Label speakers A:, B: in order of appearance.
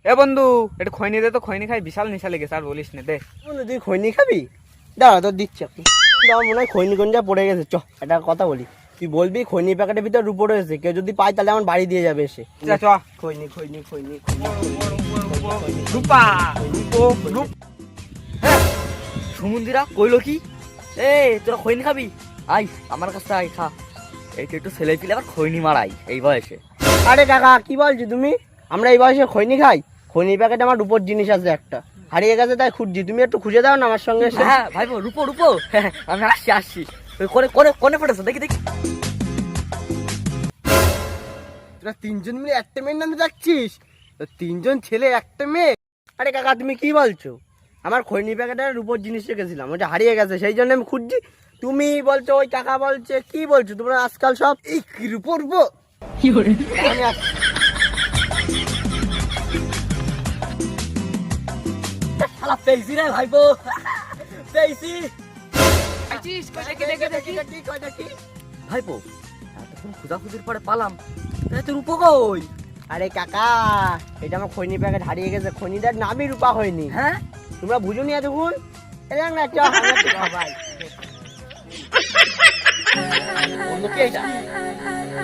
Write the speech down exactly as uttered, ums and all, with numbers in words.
A: এ বন্ধু একটু খৈনি দে তো, খৈনি খাই বিশাল নেশা লেগেছে, আর বলিস না। দে
B: বন্ধু তুই খৈনি খাবি? দাঁড়া তোর দিচ্ছি এখন। দাও মনে হয় খৈনি গঞ্জা পড়ে গেছে। চ একটা কথা বলি, তুই বলবি খৈনি প্যাকেটের ভিতর রূপো রয়েছে, কেউ যদি পায় তাহলে আমার বাড়ি দিয়ে যাবে এসে।
A: চ চ
B: খৈনি খৈনি খৈনি
A: রূপা রূপো রূপ। হ্যাঁ সমুদ্রা কইলো কি, এ তোরা খৈনি খাবি? আই আমার কাছে আই খা। এইটা একটু ছেলে পিলে আবার খৈনি মারাই এই বয়সে।
B: আরে কাকা কি বলছো তুমি? আমরা এই বয়সে খৈনি খাই? খৈনি প্যাকেট আমার রূপোর জিনিস আছে একটা, হারিয়ে গেছে তাই খুঁজছি, তুমি একটু খুঁজে দাও না আমার সঙ্গে এসে।
A: হ্যাঁ ভাইবো রূপো রূপো, হ্যাঁ আমি আসছি আসছি। ওই করে করে কোনে পড়েছে দেখি দেখি।
B: তোরা তিনজন মিলে একটা মেয়ের নামে যাচ্ছিস? তো তিনজন ছেলে একটা মেয়ে? আরে কাকা তুমি কি বলছো? আমার খৈনি প্যাকেটের রূপোর জিনিস রেখেছিলাম, ওটা হারিয়ে গেছে, সেই জন্য আমি খুঁজছি। তুমি বলছো ওই কাকা বলছে, কি বলছো তোমরা আজকাল সব? এই কি রূপো রূপো আমি আসছি।
A: শালা পেয়েছি রে ভাইবো, পেয়েছি। ভাইপো এতক্ষণ খোঁজাখুঁজির পরে পালাম, তুই রূপো কই?
B: আরে কাকা এটা আমার খৈনি প্যাকেট হারিয়ে গেছে, খৈনিটার নামই রূপা হয়নি।
A: হ্যাঁ
B: তোমরা বুঝুনি এতক্ষণ? এরা না চ ভাই।
A: বন্ধু কে এটা?